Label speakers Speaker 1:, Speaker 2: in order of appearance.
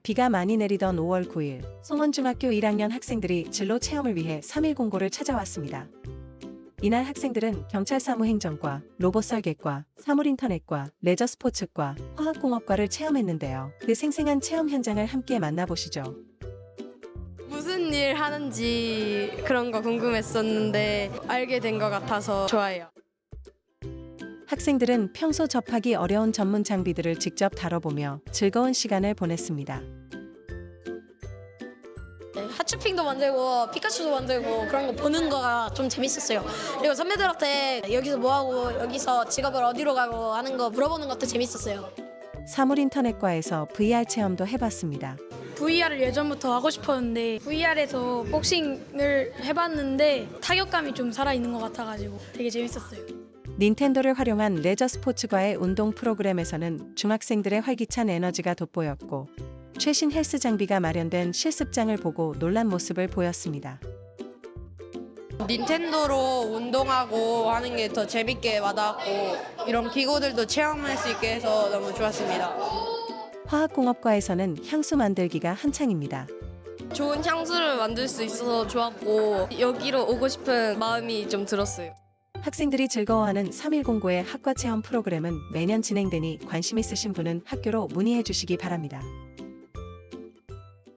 Speaker 1: 비가 많이 내리던 5월 9일, 송원중학교 1학년 학생들이 진로 체험을 위해 3일 공고를 찾아왔습니다. 이날 학생들은 경찰사무행정과, 로봇설계과, 사물인터넷과, 레저스포츠과, 화학공업과를 체험했는데요. 그 생생한 체험 현장을 함께 만나보시죠.
Speaker 2: 무슨 일 하는지 그런 거 궁금했었는데 알게 된 것 같아서 좋아요.
Speaker 1: 학생들은 평소 접하기 어려운 전문 장비들을 직접 다뤄보며 즐거운 시간을 보냈습니다.
Speaker 3: 하츄핑도 만들고 피카츄도 만들고 그런 거 보는 거가 좀 재밌었어요. 그리고 선배들한테 여기서 뭐하고 여기서 직업을 어디로 가고 하는 거 물어보는 것도 재밌었어요.
Speaker 1: 사물인터넷과에서 VR 체험도 해봤습니다.
Speaker 4: VR을 예전부터 하고 싶었는데 VR에서 복싱을 해봤는데 타격감이 좀 살아있는 것 같아가지고 되게 재밌었어요.
Speaker 1: 닌텐도를 활용한 레저 스포츠과의 운동 프로그램에서는 중학생들의 활기찬 에너지가 돋보였고 최신 헬스 장비가 마련된 실습장을 보고 놀란 모습을 보였습니다.
Speaker 2: 닌텐도로 운동하고 하는 게 더 재밌게 와닿았고 이런 기구들도 체험할 수 있게 해서 너무 좋았습니다.
Speaker 1: 화학공업과에서는 향수 만들기가 한창입니다.
Speaker 2: 좋은 향수를 만들 수 있어서 좋았고 여기로 오고 싶은 마음이 좀 들었어요.
Speaker 1: 학생들이 즐거워하는 3일 공고의 학과 체험 프로그램은 매년 진행되니 관심 있으신 분은 학교로 문의해 주시기 바랍니다.